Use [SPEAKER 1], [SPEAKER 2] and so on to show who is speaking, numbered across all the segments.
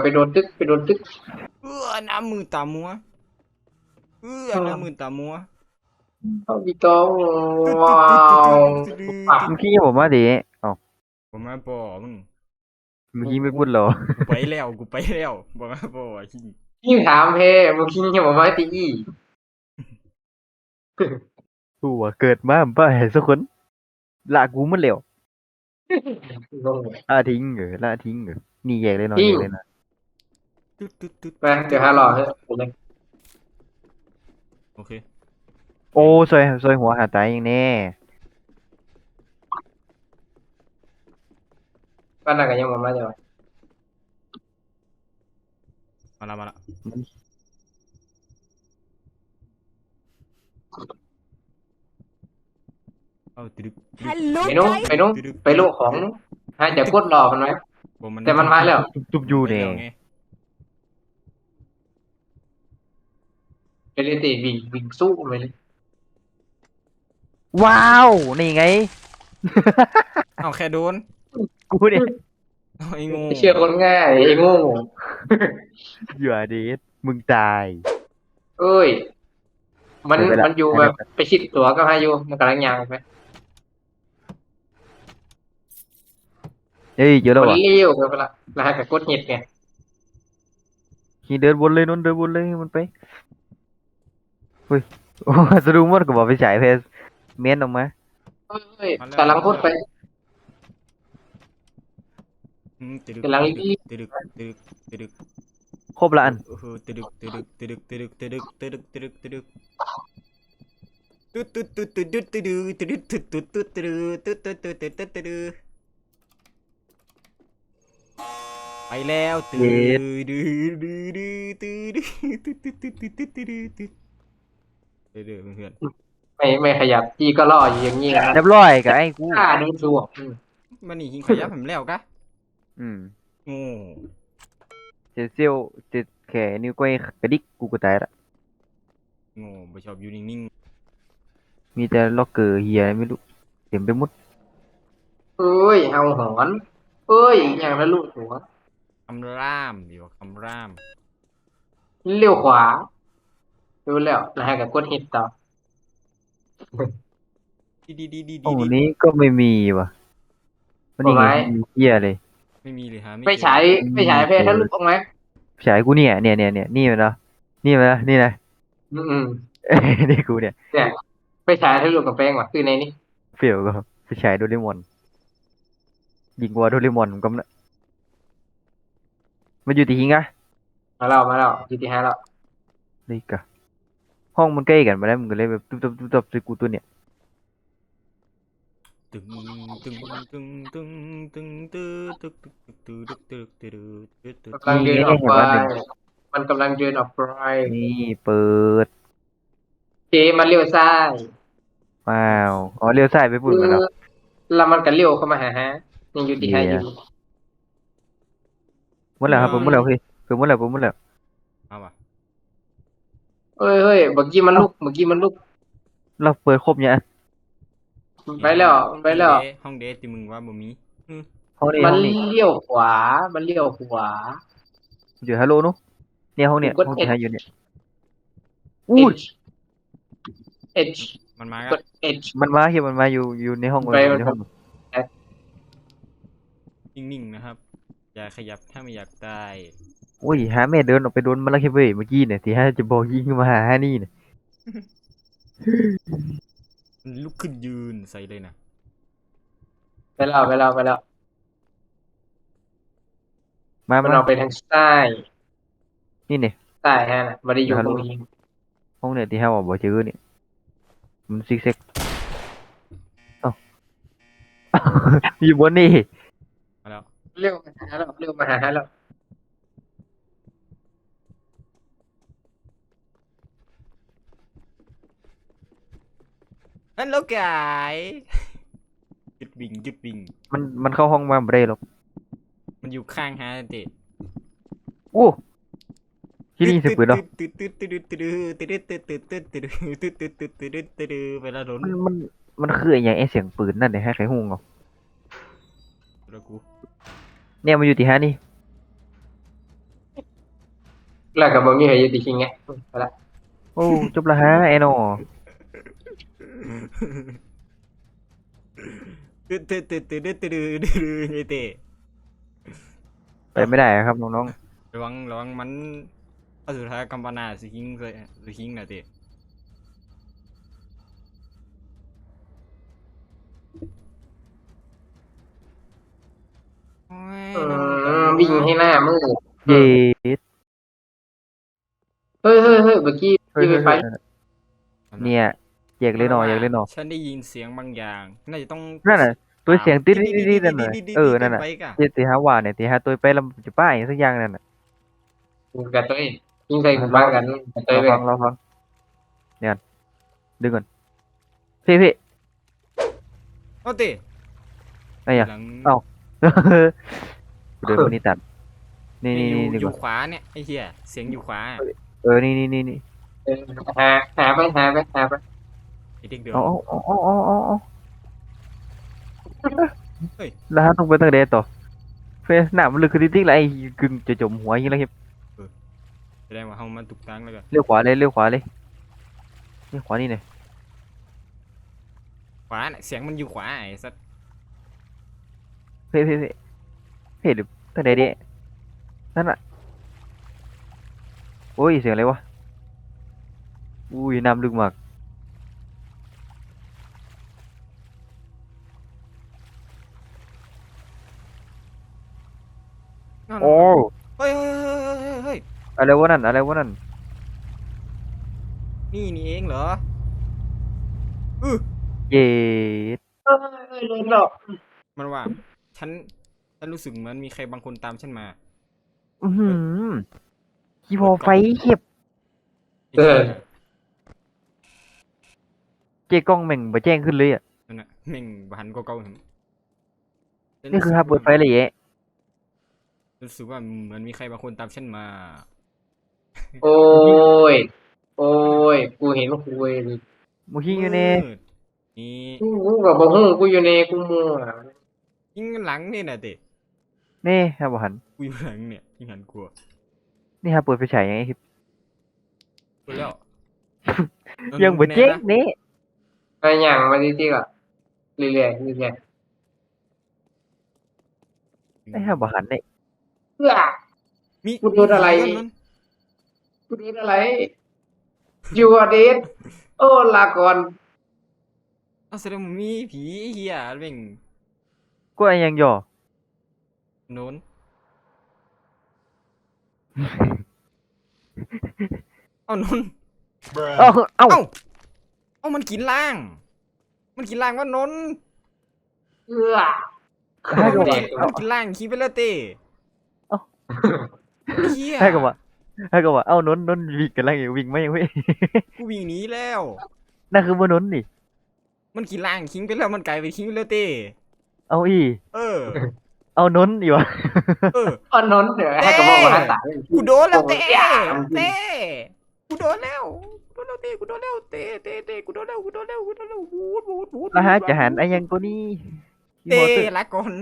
[SPEAKER 1] ไปโดนตึกไปโดนตึก
[SPEAKER 2] น้ำมือตามัวน้ำมือตามัว
[SPEAKER 1] เอาพี่ต้องว้าวปัก
[SPEAKER 3] เมื่อกี้ผมมาดิเอ้า
[SPEAKER 2] ผมมาบ่มึง
[SPEAKER 3] เมื่อกี้ไม่พูดเหรอ
[SPEAKER 2] กูไปแล้วบอกมาบ่ขี้
[SPEAKER 1] ยิ่งถามเพมึงคิดยังบอกว่าตีอี
[SPEAKER 3] กูว่าเกิดมาบ่เห็นสักคนละกูมันแล้ว
[SPEAKER 1] งงเลย
[SPEAKER 3] ละทิ้งเหรอละทิ้งเหรอนี่แยกเลยเนาะ
[SPEAKER 1] ทิ้
[SPEAKER 3] แย
[SPEAKER 1] ง
[SPEAKER 3] กเลยนะ
[SPEAKER 1] ไปเดี๋ยวหารอเถอะผมเลย
[SPEAKER 2] โอเค
[SPEAKER 3] โอ้ซอยหัวหาตายอย่างแน่
[SPEAKER 1] บ้านนั้นก็ยังบอกมาจะว่า
[SPEAKER 2] มาละเอาตึก
[SPEAKER 1] ไปนู้นไปนู้นไปโลกของให้จะกดรอมันไว้ แต่มันมาแล้ว
[SPEAKER 3] ตุบอยู่แน่
[SPEAKER 2] ไง
[SPEAKER 1] เลยเตะวิ่งสู้ไปเลย
[SPEAKER 3] ว้าวนี่ไง
[SPEAKER 2] เอาแค่โดน
[SPEAKER 3] กูเนี่ย
[SPEAKER 2] เอาไอ้งู
[SPEAKER 1] เชื่อคนง่ายไอ้โง่
[SPEAKER 3] เหยื่อเดทมึงตาย
[SPEAKER 1] เอ้ยมัน
[SPEAKER 3] เดี๋ยวไปละ
[SPEAKER 1] มันอยู่แบบไปชิดตัวก็พายุมันกำลังยางไป
[SPEAKER 3] เฮ้ยเจอแล้ว
[SPEAKER 1] มัน
[SPEAKER 3] วะ
[SPEAKER 1] เลี้ยวไปละแล้วให้กับกดเห็ดไง
[SPEAKER 3] ขี่เดินวนเลยนนเดินวนเลยมันไปเฮ้ยโอ้สะดุ้งหมดก็บอกไปฉายเพสเม้นออกมา
[SPEAKER 1] เอ้ยกำลังพูดไป
[SPEAKER 2] ตึดึก
[SPEAKER 1] กำลัง
[SPEAKER 2] ตึดึกตึดึกตึดึก
[SPEAKER 3] ครบละอัน
[SPEAKER 2] ตึดึกตึดึกตึดึกตึดึกตึดึกตึดึกตึดึกตึดึกตึดตึดตึดตึดตึดตึดตึดตึดตึดตึดตึดตึดตึดตึดตึดตึดตึดไปแล้วตึดตึดตึดตึดตึดตึดตึดตึดตึดตึดตึดตึดเด้อเพื่อน
[SPEAKER 1] ไม่ขยับพี่ก็ล่ออยู่อย่างนี้นะ
[SPEAKER 3] เรียบร้อยกับไอ้กู
[SPEAKER 1] ฆ่าโดนสวม
[SPEAKER 2] มันนี่หิงขยับผมแล้วกะ
[SPEAKER 3] อืม
[SPEAKER 2] โง่
[SPEAKER 3] เจดเซียวเจ็ดแขนนิ้วก้อยกระดิกกูก็ตายละ
[SPEAKER 2] โง่ไม่ชอบอยู่นิ่ง
[SPEAKER 3] มีแต่ล็อกเกอร์เฮียไม่รู้เต็มไปหมด
[SPEAKER 1] เอ้ยเอาหอนเอ้ยอย่างละลูกหัว
[SPEAKER 2] ๆคำร่ามอยู่คำร่าม
[SPEAKER 1] เลี้ยวขวาดูแล้วแล้วให้กับกดเห็ดต่อ
[SPEAKER 2] ดีดีดีดี
[SPEAKER 3] ห้อง
[SPEAKER 2] ดี
[SPEAKER 3] นี้ก็ไม่มีว่ะมันนี่ไงมีเฮียเลย
[SPEAKER 2] ไม่มีเลยฮะ
[SPEAKER 1] ไปฉายเพศทะลุออกไหม
[SPEAKER 3] ฉายกูเนี่ยนี่มันเนาะนี่มันเนาะนี่นะ
[SPEAKER 1] อืม
[SPEAKER 3] นี่กูเนี่ย
[SPEAKER 1] เนี่ยไปฉายทะลุกับแป้งว่ะคือในนี้
[SPEAKER 3] เฟี้ยวก็ไปฉายโดเรมอนยิงวัวโดเรมอนผมก็นะมันอยู่ที่หิงอะ
[SPEAKER 1] มาแล้วทีที่ห้าแล้ว
[SPEAKER 3] นี่กะห้องมันใกล้กันมาแล้วมันก็เลยแบบตุ๊บใส่กูตัวเนี่ย
[SPEAKER 2] ตึงตึงตึงตึงตึงตึงตึงตึงตึงตึงตึงตึงตึง
[SPEAKER 1] กำลังเดินออกไปมันกำลังเดินออกไป
[SPEAKER 3] นี่เปิด
[SPEAKER 1] เจมันเลี้ยวซ้าย
[SPEAKER 3] ว้าวอ๋อเลี้ยวซ้ายไปปุ่นมาแล้ว
[SPEAKER 1] แล้วมันก็เลี้ยวเข้ามาหาฮะยังอยู่ที่ห้าอยู่
[SPEAKER 3] หมดแล้วครับผมหมดแล้วเฮ้ยผมหมดแล้ว
[SPEAKER 2] เอาว่ะ
[SPEAKER 1] เฮ้ยเมื่อกี้มันลุก
[SPEAKER 3] เราเปิดครบเนี่ย
[SPEAKER 1] ไปแล้ว
[SPEAKER 2] ห้องเดทที่มึงว่าบ่มี
[SPEAKER 3] ห้องนี้
[SPEAKER 1] มัน
[SPEAKER 3] ห้องนี้
[SPEAKER 1] เลี้ยวขวา
[SPEAKER 3] อยู่ฮัลโหลนุเนี่ยห้องเนี่ย
[SPEAKER 1] กด
[SPEAKER 3] ห้องที่
[SPEAKER 1] H
[SPEAKER 3] หาอยู่เนี่ยอุ้ย
[SPEAKER 1] H
[SPEAKER 2] มันมาก
[SPEAKER 1] ก
[SPEAKER 2] อะ
[SPEAKER 1] ด H
[SPEAKER 3] มันมาเฮียมันมาอยู่ในห้อง
[SPEAKER 1] ไป
[SPEAKER 3] อยู่ในห้อง
[SPEAKER 2] นิ่งๆนะครับ อย่าขยับถ้าไม่อยากตาย
[SPEAKER 3] โอ้ยหาแม่เดินออกไปโดนมันแล้วแค่เว้ยเมื่อกี้เนี่ยที่ฮะจะบอกยิงมาหาฮานี่เนี่ย
[SPEAKER 2] ลุกขึ้นยืนใส่เลยนะ
[SPEAKER 1] ไปแล้ว
[SPEAKER 3] มา
[SPEAKER 1] มันออกไปทางซ้าย
[SPEAKER 3] นี่เนี่ย
[SPEAKER 1] ซ้ายฮะน่ะไม่ได้อยู่ตรงนี้
[SPEAKER 3] ห้องเนี่ยที่ฮะบอกเจอเนี่ยมันซิกเซกเอ้า อยู่บนนี่
[SPEAKER 2] มาแล้ว
[SPEAKER 1] เลี้ยวมาหาแล้ว
[SPEAKER 2] ฮัลโหลกายหยุดวิ่ง
[SPEAKER 3] มันเข้าห้องมาไม่ได้หรอก
[SPEAKER 2] มันอยู่ข้างฮะเดท
[SPEAKER 3] โอ้ที่นี่เสียงปืนเหรอ
[SPEAKER 2] ไปแล้วโดน
[SPEAKER 3] มันคืออย่างไอเสียงปืนนั่นเนี่ยให้ใครฮุ้งเอา
[SPEAKER 2] แล้วกู
[SPEAKER 3] เนี่ยมันอยู่ที่ฮะนี่
[SPEAKER 1] แล้วก็บ่มีใครอยู่ที่คิงไงไปละ
[SPEAKER 3] โอ้จบละฮะไอ้นอ
[SPEAKER 2] ไอ้เตะ
[SPEAKER 3] ไปไม่ได้ครับน้อง
[SPEAKER 2] ระวังมันเอาสุดท้ายกัมปนาสิคิงเลยสิคิงนะเตะ
[SPEAKER 1] วิ่งให้หน้ามือ
[SPEAKER 3] ๆเย็ด
[SPEAKER 1] เฮ้ยเมื่อกี้
[SPEAKER 3] เฮ้ย
[SPEAKER 1] ไป
[SPEAKER 3] เนี่ยอยากเล่นหนออยากเล่นหนอ
[SPEAKER 2] ฉันได้ยินเสียงบางอย่าง น่าจะต้อง
[SPEAKER 3] นั่นน่ะตัวเสียงติ๊ดๆๆนั่นน่ะนั่นน่ะ
[SPEAKER 2] ไปกะ
[SPEAKER 3] ที่หาว่าเนี่ยที่หาตัวไปแล้วมันจะป้ายอย่างสักอย่างนั่นน่ะ
[SPEAKER 1] กับตัวเองยิงใส่หูบ้างกันกับตัวเอง
[SPEAKER 3] เราฟังเนี่ยดึงก่อนพี่
[SPEAKER 2] เอาเตะ
[SPEAKER 3] ไอ้ยัง
[SPEAKER 2] หลัง
[SPEAKER 3] เอ้า เดินคนนี้ตัดนี่
[SPEAKER 2] อยู่
[SPEAKER 3] ดี
[SPEAKER 2] อก ยู่
[SPEAKER 3] ว่า
[SPEAKER 2] ขวาเนี่ยไอ้เหี้ยเสียงอยู่ขวา
[SPEAKER 3] นี่
[SPEAKER 1] เออหาไป
[SPEAKER 2] ไอเด็กเดือด
[SPEAKER 3] เอา
[SPEAKER 2] เฮ้ย
[SPEAKER 3] แล้วต้องไปตั้งเดต่อเฟสหน้ามันลึกคือจริงๆแล้วไอ้กึ่งจะจมหัวอย่างนี้แล้วครับ
[SPEAKER 2] แสดงว่าเฮามันตุกตังแล้วกัน
[SPEAKER 3] เลี้ยวขวาเลยนี่ขวานี่เนี่ย
[SPEAKER 2] ขวาน่ะเสียงมันอยู่ขวาไอ้สัส
[SPEAKER 3] เพ่หรือตั้งเดดินั่นน่ะโอ้ยเสียงอะไรวะอุ้ยน้ำลึกมาก
[SPEAKER 2] นั่น
[SPEAKER 3] โอ้
[SPEAKER 2] เฮ้ยเฮ้ย
[SPEAKER 3] อะไรวะนั่น
[SPEAKER 2] นี่เองเหรอเออ
[SPEAKER 3] เย็ด
[SPEAKER 1] โดนหลอก
[SPEAKER 2] มันว่าฉันรู้สึกเหมือนมีใครบางคนตามฉันมา
[SPEAKER 3] อือหือขี้พอไฟเข็บ
[SPEAKER 2] ไอ้เหี้ย
[SPEAKER 3] เจ๊กล้องแม่งมาแจ้งขึ้นเลยอ่ะ
[SPEAKER 2] นั่นน่ะแม่งบหันเก่าๆเห็น
[SPEAKER 3] นี่คือฮาเปิดไฟเลยแยะ
[SPEAKER 2] รู้สึกว่าเหมือนมีใครบางคนตามฉันมา
[SPEAKER 1] โอ้ยกูเห็นคุย
[SPEAKER 3] มูคิงอยู่เนี่ย
[SPEAKER 2] มืดนี่
[SPEAKER 1] กูกับบ่ฮู้กูอยู่ในกูมัว
[SPEAKER 2] ยิงหลังนี่น่ะเด็
[SPEAKER 3] นี่ฮะบหัน
[SPEAKER 2] กูอยู่หลังเนี่ยยิงหันกลัว
[SPEAKER 3] นี่ฮะเปิดไฟฉายยังไงครับ
[SPEAKER 2] กูแล้ว
[SPEAKER 3] ยังบ่แจ้งนี่
[SPEAKER 1] ไปอย่างมาดีๆก็เรื่อย
[SPEAKER 3] ไอ้ฮะบหันเนี่ย
[SPEAKER 1] ๆเพื่อ
[SPEAKER 2] มี
[SPEAKER 1] กูโดนอะไร
[SPEAKER 2] นั่น
[SPEAKER 1] กูโดนอะไรยูอเดสโอ้ลาก่อน
[SPEAKER 2] เอาแสดงว่ามีผีเหี้ยแม่ง
[SPEAKER 3] ก็ไอ้ยังย่อ
[SPEAKER 2] โน้นเอาโน้น
[SPEAKER 3] เอ้า
[SPEAKER 2] เอ้ามันกินล่าง มันกินล่างว่าโน้น
[SPEAKER 1] เพื่อ
[SPEAKER 3] ให้กับ
[SPEAKER 1] เด็
[SPEAKER 3] ว่าก
[SPEAKER 2] มันกินล่างขี้ไปแล้วเต้
[SPEAKER 3] เอ้า
[SPEAKER 2] เหี้ย
[SPEAKER 3] ให้กับว่าเอ้านนวิ่งกันแล้ววิ่งไม่เว้ย
[SPEAKER 2] กูวิ่งหนีแล้ว
[SPEAKER 3] นั่นคือบ่นนนี่
[SPEAKER 2] มันกินล่างทิ้งไปแล้วมันกลายเป็นทิ้งไปแล้วเต้
[SPEAKER 3] เอาอี
[SPEAKER 2] เออ
[SPEAKER 3] เอานนอยู่วะ
[SPEAKER 2] เออ
[SPEAKER 1] อ่อนนนเดี๋ยวให้กับบอกว่าตาย
[SPEAKER 2] กูโดนแล้วเต้เต้กูโดนแล้วเต้กูโดนแล้วเต้กูโดนแล้ววูด
[SPEAKER 3] แล้วฮะจะหันไอ้ยังตัวนี้
[SPEAKER 2] เต้ลาก่อน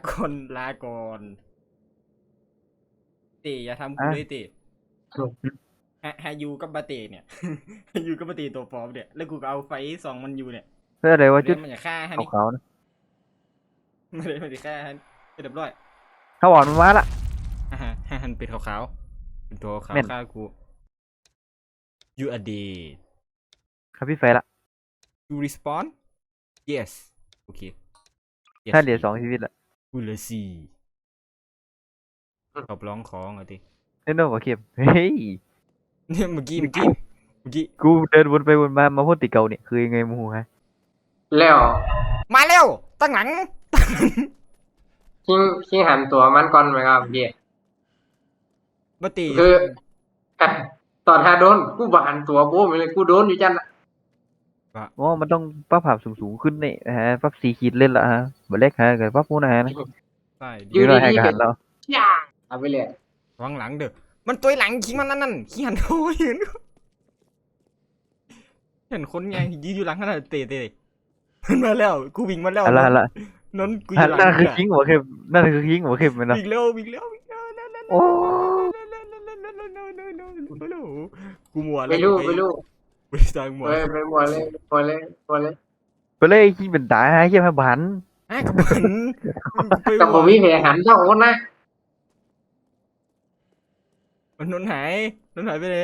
[SPEAKER 2] เต้อย่าทำกูเลยเต้ฮายูกับบาเต้เนี่ย ฮายูกับบาเต้ตัวปลอมเนี่ยแล้วกูก็เอาไฟส่องมันอยู่เนี่ย
[SPEAKER 3] เพื่ออะไรวะจุด
[SPEAKER 2] มันจะฆ่าฮะนี่
[SPEAKER 3] ขาวๆนะ
[SPEAKER 2] มันจะฆ่าฮะเรียบร้อย
[SPEAKER 3] ถ้าหวานมันมาละ
[SPEAKER 2] ฮันเป็นขาวๆเป็นตัวขาว
[SPEAKER 3] แม่น
[SPEAKER 2] ฆ่ากู you are dead
[SPEAKER 3] ครับพี่ไฟละ
[SPEAKER 2] you respawn yes โอเค yes
[SPEAKER 3] ถ้าเหลือ2 ชีวิตละ
[SPEAKER 2] กูเหลือสี่ตอบร้องของอ่ะดิ
[SPEAKER 3] เล่นโน่กับเข็มเฮ้ย
[SPEAKER 2] เนี่ยเมื่อกี้
[SPEAKER 3] กูเดินวนไปวนมาพ่นติดเก่าเนี่ยคือยังไงมูฮะ
[SPEAKER 1] แล้ว
[SPEAKER 2] มาเร็วตั้งหลัง
[SPEAKER 1] คิงหันตัวมันก่อนไหมครับพี่
[SPEAKER 2] บาเต้
[SPEAKER 1] คืออ่ะตอนหาโดนกูบ่หันตัวโบ้ไปเลยกูโดนอยู่จัน
[SPEAKER 3] อ๋อมันต้องปรับภาพสูงขึ้นนี่ฮะปรับ4 ขีดเล่นละฮะบ่เล็กฮะกับปรับมูนะฮะนะ
[SPEAKER 2] ใช่
[SPEAKER 1] อยู่
[SPEAKER 3] เดี๋ยวเราให้
[SPEAKER 1] ดีๆ
[SPEAKER 3] กันหันแล้ว
[SPEAKER 1] ย่าเอาไปเลย
[SPEAKER 2] วางหลังเด้อมันตัวหลังขี้มันนั่นขี้หันโอ้ยเห็นคนไงยืนอยู่หลังขนาดเต้มันมาแล้วกูวิ่งมาแล้ว
[SPEAKER 3] อะไรละ
[SPEAKER 2] นนกูอยู่หลัง
[SPEAKER 3] นั่นคือ
[SPEAKER 2] อะ
[SPEAKER 3] คิงหัวเข็มนั่นคือคิงหัวเข็มมันเนาะ
[SPEAKER 2] วิ่งเร็ว
[SPEAKER 3] โอ้
[SPEAKER 2] กูมัว
[SPEAKER 1] ไปลูก
[SPEAKER 2] ไปสร้างมัว
[SPEAKER 1] ไปหมดเลย
[SPEAKER 3] ไปเลยคิงเป็นตาฮะเข็มให้บัน
[SPEAKER 2] อ่ะกับมัน
[SPEAKER 1] กับผมมีแผลหันเท่าคนนะ
[SPEAKER 2] มันนนหายไปเลย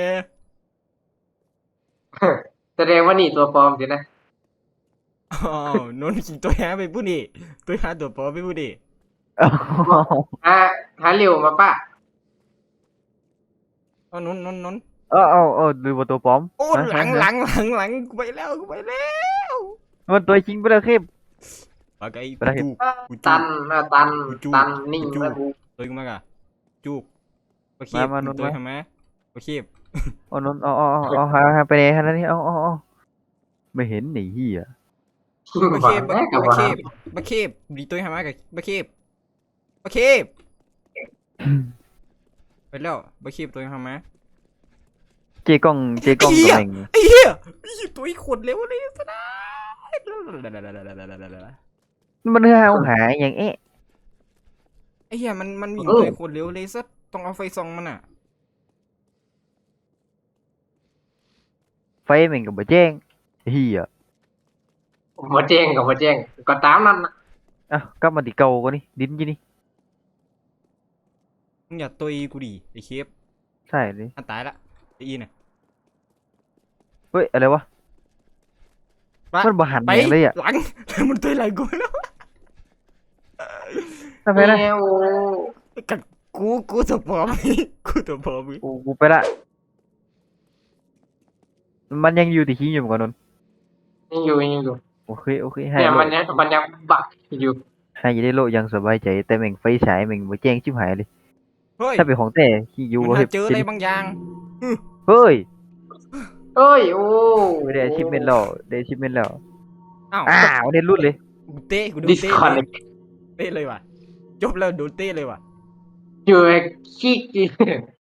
[SPEAKER 1] แสดงว่านี่ตัวปลอมสินะ
[SPEAKER 2] อ๋อนนขี่ตัวหาไปพูดดิตัวหาตัวปอไปพูดดิ
[SPEAKER 1] หาเร็วมาป้า
[SPEAKER 2] เอานน
[SPEAKER 3] เอาดูว่าตัวปลอม
[SPEAKER 2] โอ้หลังกูไปแล้ว
[SPEAKER 3] มันตัวคิงไปแล้วเข็ม
[SPEAKER 2] ปากไอ้
[SPEAKER 3] ไปได้
[SPEAKER 2] จูกู
[SPEAKER 1] ตันนิ่งแล้วกู
[SPEAKER 2] ตัวกูมากอะจูโอเคตัวทำไมโอเค
[SPEAKER 3] เอานนเอาหาไปไหนฮะนั่นนี่เอาไม่เห็นหนีเหี้ย
[SPEAKER 2] บักเคบดีตัวทำไมกับบักเคบไปแล้วบักเคบตัวทำไม
[SPEAKER 3] เจกล้องตัวเอง
[SPEAKER 2] ไอ้เหี้ยตัวไอ้ขนเร็วเลยสนะ
[SPEAKER 3] มันเอาหาอย่างเอ๊ะ
[SPEAKER 2] ไอ้เหี้ยมันมีตัวไอ้ขนเร็วเลยสัต้องเอาไฟส่องมันอ่ะ
[SPEAKER 3] ไฟแม่งก็บ่แจ้งเฮีย
[SPEAKER 1] มาแจ้งกับมาแจ้งก็ตามนั้นนะ
[SPEAKER 3] อ่ะกลับมาที่เก่าก็นี่ดินยี่นี่
[SPEAKER 2] มึงอย่าตัวกูดิไอ้เคฟ
[SPEAKER 3] ใช่เลย
[SPEAKER 2] อันตายละไอ้อีน่ะ
[SPEAKER 3] เฮ้ยอะไรวะ
[SPEAKER 2] ไป
[SPEAKER 3] มันบ่หัน
[SPEAKER 2] ไป
[SPEAKER 3] อย่างเลยอ่ะ
[SPEAKER 2] หลัง มันตัวหลังกูแล้ว
[SPEAKER 3] ทำไมนะ
[SPEAKER 1] แมว
[SPEAKER 2] กัดกูตัวปลอมกูตัวปลอม
[SPEAKER 3] กูไปละมันยังอยู่ที่ขี้อยู่เหมือนกันนน
[SPEAKER 1] ยังอยู่
[SPEAKER 3] โอเคให้
[SPEAKER 1] เนี่ย
[SPEAKER 3] โล
[SPEAKER 1] มันยังบักอยู่
[SPEAKER 3] ให้ได้โลยังสบายใจแต่แม่งไฟฉายแม่งบ่แจ้งชิบหายเลย
[SPEAKER 2] เฮ้ย
[SPEAKER 3] ถ้าเป็นของแต่ขี้อยู่
[SPEAKER 2] มัน
[SPEAKER 3] เฮ้ย
[SPEAKER 2] เจออะไรบางอย่าง
[SPEAKER 3] เฮ้ย
[SPEAKER 1] เอ้ยโอ้
[SPEAKER 3] ได้อาชิพเมนแล้วได้อาชิพเมนแล้ว
[SPEAKER 2] อ้าว
[SPEAKER 3] อ้าวเน้นรุดเลย
[SPEAKER 2] กูโดน
[SPEAKER 1] ดิส
[SPEAKER 2] เตะ
[SPEAKER 1] คอน
[SPEAKER 2] เตะเลยว่ะจบแล้วโดนเตะเลยว่ะ
[SPEAKER 1] อยู่ไอ้ขี้